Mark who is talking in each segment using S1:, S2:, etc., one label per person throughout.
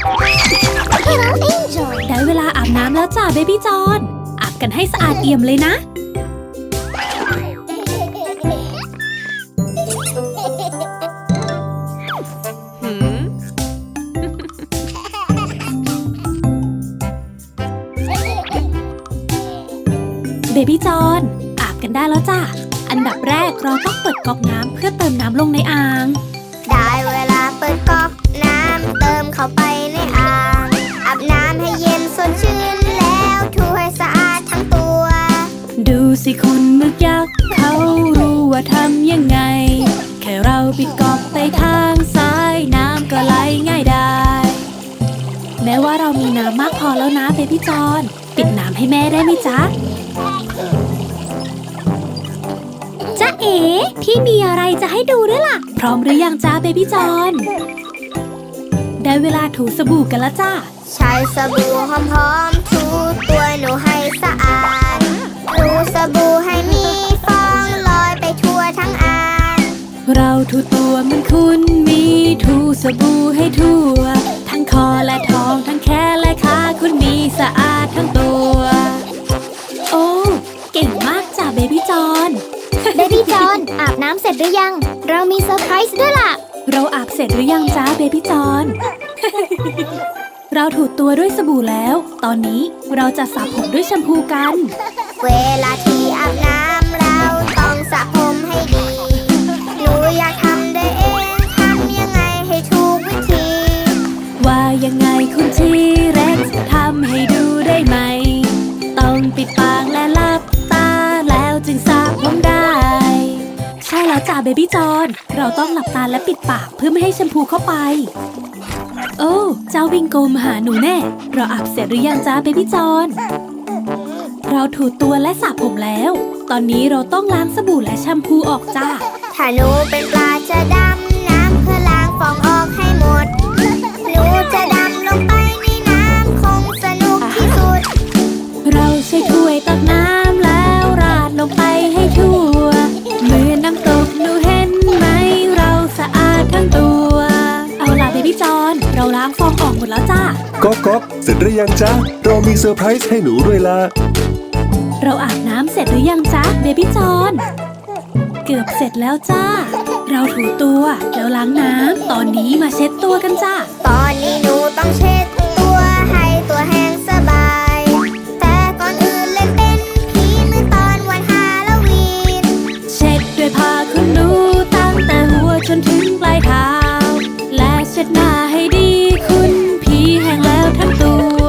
S1: ได้เวลาอาบน้ำแล้วจ้าเบบี้จอนอาบกันให้สะอาดเอี่ยมเลยนะเบบี้จอนอาบกันได้แล้วจ้าอันดับแรกเราต้องเปิดก๊อกน้ำเพื่อเติมน้ำลงในอ่าง
S2: ได้เวลาเปิดก๊อกน้ำเติมเข้าไปในอ่างอาบน้ำให้เย็นสดชื่นแล้วถูให้สะอาดทั้งตัว
S1: ดูสิคุณมึกยักษ์เขารู้ว่าทำยังไงแค่เราปิดก๊อกไปทางซ้ายน้ำก็ไหลง่ายได้แม้ว่าเรามีน้ำมากพอแล้วนะเบบี้จอนปิดน้ำให้แม่ได้ไหมจ๊ะจ๊ะเอ๋พี่มีอะไรจะให้ดูด้วยล่ะพร้อมหรือยังจ๊ะเบบี้จอนได้เวลาถูสบู่กันแล้วจ้า
S2: ใช้สบู่หอมๆถูตัวหนูให้สะอาดถูสบู่ให้มีฟองลอยไปทั่วทั้งอ่าง
S1: เราถูตัวเหมือนคุณมีถูสบู่ให้ทั่วทั้งคอและท้องทั้งแขนและขาคุณมีสะอาดทั้งตัวโอ้เก่งมากจ้ะเบบี้จอน
S2: เบบี้จอนอาบน้ำเสร็จหรือยังเรามีเซอร์ไพรส์ด้วยล่ะ
S1: เราอาบเสร็จหรือยังจ้าเบบี้จอน เราถูตัวด้วยสบู่แล้วตอนนี้เราจะสระผมด้วยแชมพูกัน
S2: เวลาที่อาบน้ำเราต้องสระผมให้ดีหนูอยากทำได้เองทำยังไงให้ถูกวิธี
S1: ว่ายังไงคุณทีเร็กซ์ทำให้ดูได้ไหมต้องปิดปากและหลับตาแล้วจึงสระผมได้ใช่แล้วจ้าเบบี้จอนเราต้องหลับตาและปิดปากเพื่อไม่ให้แชมพูเข้าไปโอ้เจ้าวิงโกมาหาหนูแน่เราอาบเสร็จหรือยังจ้าเบบี้จอนเราถูตัวและสระผมแล้วตอนนี้เราต้องล้างสบู่และแชมพูออกจ้า
S2: ถ้าหนูเป็นปลาจะดำน้ำเพื่อล้างฟองออกให้หมดหนูจะดำลงไปในน้ำคงสนุกที่สุด
S1: เราใช้ถ้วยตักน้ำแล้วราดลงไปให้ทั่วเหมือนน้ำตกหนูเห็นไหมเราสะอาดทั้งตัวเอาล่ะเบบี้จอนเราล้างฟองออกหมดแล้วจ้า
S3: ก๊อกเสร็จหรือยังจ๊ะเรามีเซอร์ไพรส์ให้หนูด้วยล่ะ
S1: เราอาบน้ำเสร็จหรือยังจ๊ะเบบี้จอนเกือบเสร็จแล้วจ้าเราถูตัวแล้วล้างน้ำตอนนี้มาเช็ดตัวกันจ้า
S2: ตอนนี้หนูต้องเช็ดตัวให้ตัวแห้งสบายแต่ก่อนอื่นเล่นเป็นผีเมื่อตอนวันฮาโลวีน
S1: เช็ดด้วยผ้าขนหนูตั้งแต่หัวจนถึงปลายเท้าและเช็ดหน้าให้ดีคุณผีแห้งแล้วทั้งตัว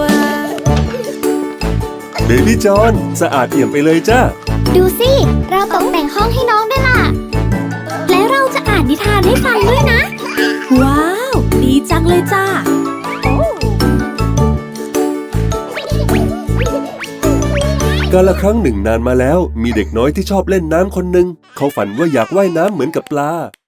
S3: เบบี้จอนสะอาดเอี่ยมไปเลยจ้า
S2: ดูสิเราตกแต่งห้องให้น้องด้วยล่ะ
S1: และเราจะอ่านนิทานให้ฟังด้วยนะว้าวดีจังเลยจ้า
S3: กาลครั้งหนึ่งนานมาแล้วมีเด็กน้อยที่ชอบเล่นน้ำคนหนึ่งเขาฝันว่าอยากว่ายน้ำเหมือนกับปลา